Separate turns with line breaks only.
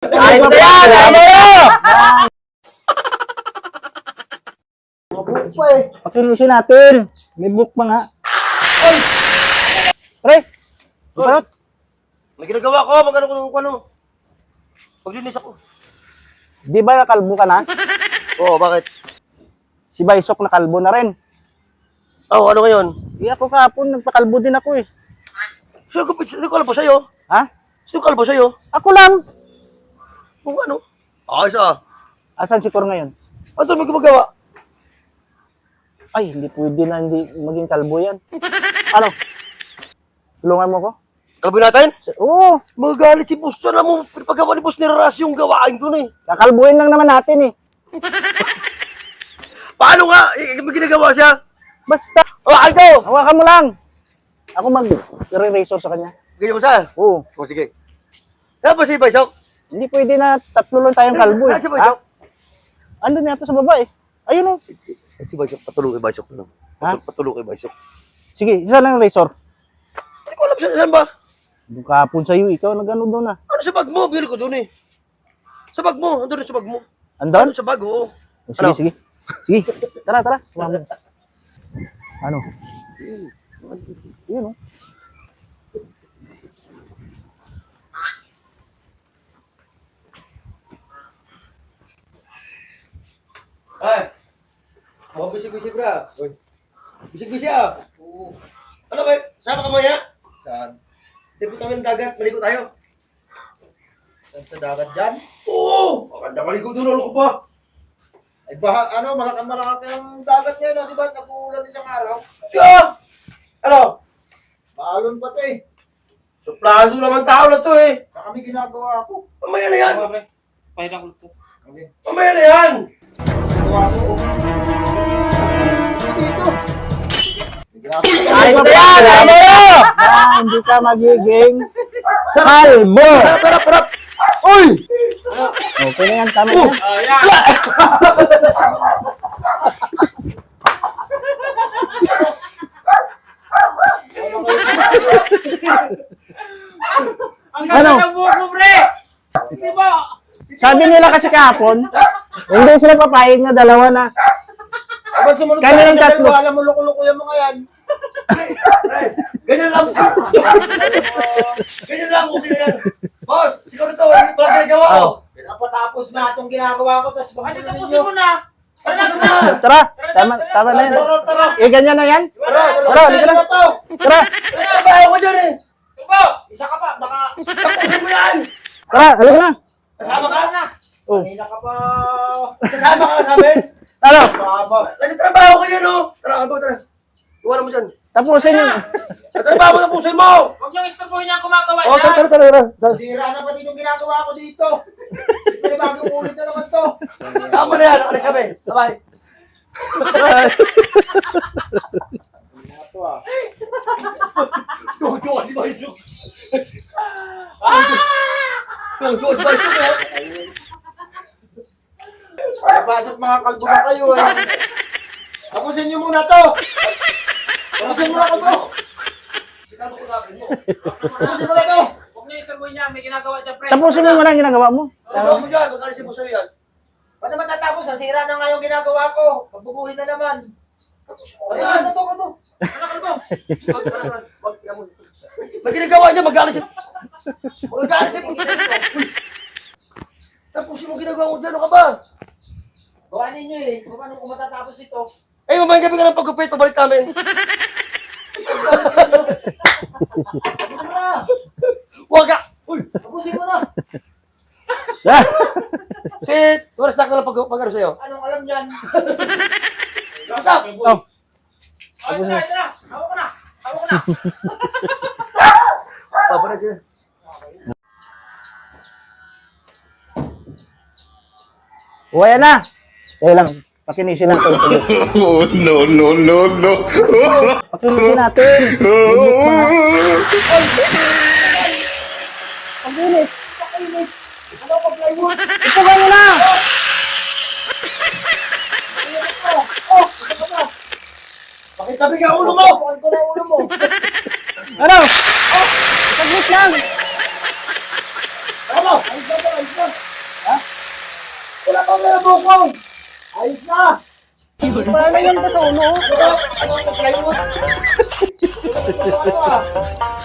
Ayos na yan! Tama mo!
Mabuk pa eh.
Pakilisin natin. May book pa nga. Pre! Parot!
May ginagawa ko, magano ko ano. Paglinis ako.
Di ba nakalbo ka na?
Oo, bakit?
Si Baysok nakalbo na rin.
Oh, ano ngayon?
Di ako kahapon, nagpakalbo din ako eh.
Sino kalbo sa'yo?
Ha?
Sino kalbo sa'yo?
Ako lang!
Kung ano? Ayos ah.
Asan si Cor ngayon?
Ano may gumagawa?
Ay, hindi pwede na hindi maging kalbo yan. Ano? Tulungan mo ko?
Kalbo natin?
Oo,
Magalit si boss. Alam mo, paggawa ni boss nilaras yung gawain ko na eh.
kakalbuhin lang naman natin eh.
Paano nga? May ginagawa siya?
Basta,
Hawakan ko!
hawakan mo lang. Ako mag-re-razor sa kanya.
Ganyan mo siya?
Oo,
O sige. Kaya ba si Baysok?
hindi pwede na tatlo lang tayong kalbo eh.
Saan si Baysok?
Andun yata sa baba eh. Ayun oh.
Si Baysok, patulong kay Baysok na lang.
Ha?
Patulong kay Baysok.
Sige, isa lang razor.
Hindi ko alam saan ba?
Yung kahapon sa'yo, ikaw nag-ano doon ah.
Ano sa bag mo? Bili ko doon eh. Sa bag mo. Andun rin sa bag mo.
Andun?
Ano sa bag, oo.
Oh, sige,
Ano?
sige. Sige, tara, tara. Sumama. Ano? Yun oh.
Ay! Mga bisig-bisig bra. Uy. Bisig-bisig ah. Oo. Ano ba? Sama ka mo ya? Saan? Dito kami ng dagat. Maligo tayo.
Saan sa dagat dyan?
Oo! Maganda maligo doon. Ano ko pa?
Ay baha, ano, malaki ang dagat ngayon, di ba? Nag-uulan isang araw.
Tiyo! Ano?
Maalon pa to eh.
Suplado naman tao na to eh.
Sa kami ginagawa ko.
Mamaya na yan.
Kami.
Mamaya na yan.
Ginagawa ko. Dito.
Ayos na yan! Tama mo! Hindi ka magiging kalbo.
Parap! Uy!
Okay na yan, tama yan. Ano? Sabi nila kasi kahapon, hindi sila papayag na dalawa na.
Aba sumunod
Kami
tayo
ng
sa
tatlo.
dalawa, alam mo loko-loko yung mga yan.
Ganyan lang. Ganyan lang. Okay na yan. Boss, siguro ito. Walang ginagawa ko.
Pinapatapos na itong ginagawa ko, tapos bakit na ninyo?
Tapos na.
Tara, tama na yan.
Tara.
Eh, ganyan na yan. Tara, halika na.
to.
Tara,
Trabaho ko dyan eh.
Isa ka pa, baka
Tapusin mo yan.
tara, halika na.
Kasama ka?
Oh.
kanina ka pa.
Kasama ka sa amin?
Ano?
Saba.
Nagtatrabaho ko yan oh. Tara, tara. Iwanan mo dyan.
Tapusin yun.
Nagtatrabaho ko, tapusin mo.
Huwag niyong istorbohin niya ang gumagawa
Oh,
niya.
tara.
Sira na pati itong ginagawa ko dito. May bagong ulit na naman to.
Tama na yan. Alis kami. Sabay.
Ito ah.
Tuwa si Baysok. Tuwa si Baysok eh.
Nabasat mga kalbo na kayo eh. Tapusin nyo muna to. Tapusin mo na kalbo. Tapusin mo na to.
Huwag niyong istorbohin niya. May ginagawa dyan, pre.
Tapusin mo muna ang ginagawa mo.
Ano mo dyan? Magkalisin mo sa'yo yan.
Paano matatapos? Sira na nga yung ginagawa ko. Pagbubuhin na naman. Tapusin mo na to kalbo.
May ginagawa niya, mag-alisin. Mag-alisin mo. Tapusin mo ginagawa mo dyan. Ano ka ba?
Gawa ninyo eh. Paano kung matatapos ito?
Eh, mamayang gabi ka ng paggupit. Pabalik namin.
Tapusin mo na.
Huwag ka! Uy!
Tapusin mo na.
Ah,
Sit! Tumaras na ka lang pag-ano sa'yo.
Anong alam yan?
Basta!
oh.
Oh, ito na. Hawak ko na.
Papalit yun.
Uwaya na. Eh lang, pakinisin natin.
Oh, no.
Pakinisin natin. Pakinis.
Ano pa plywood?
Ito ba na?
Pakitabi ka ulo mo!
Pakit ko na ulo mo.
Ano? Saglit lang.
Ano? Ayos na to, ayos na. wala pang may bukong. Ayos na.
Paano yan ba sa uno?
Ano ang plywood? Ano ah?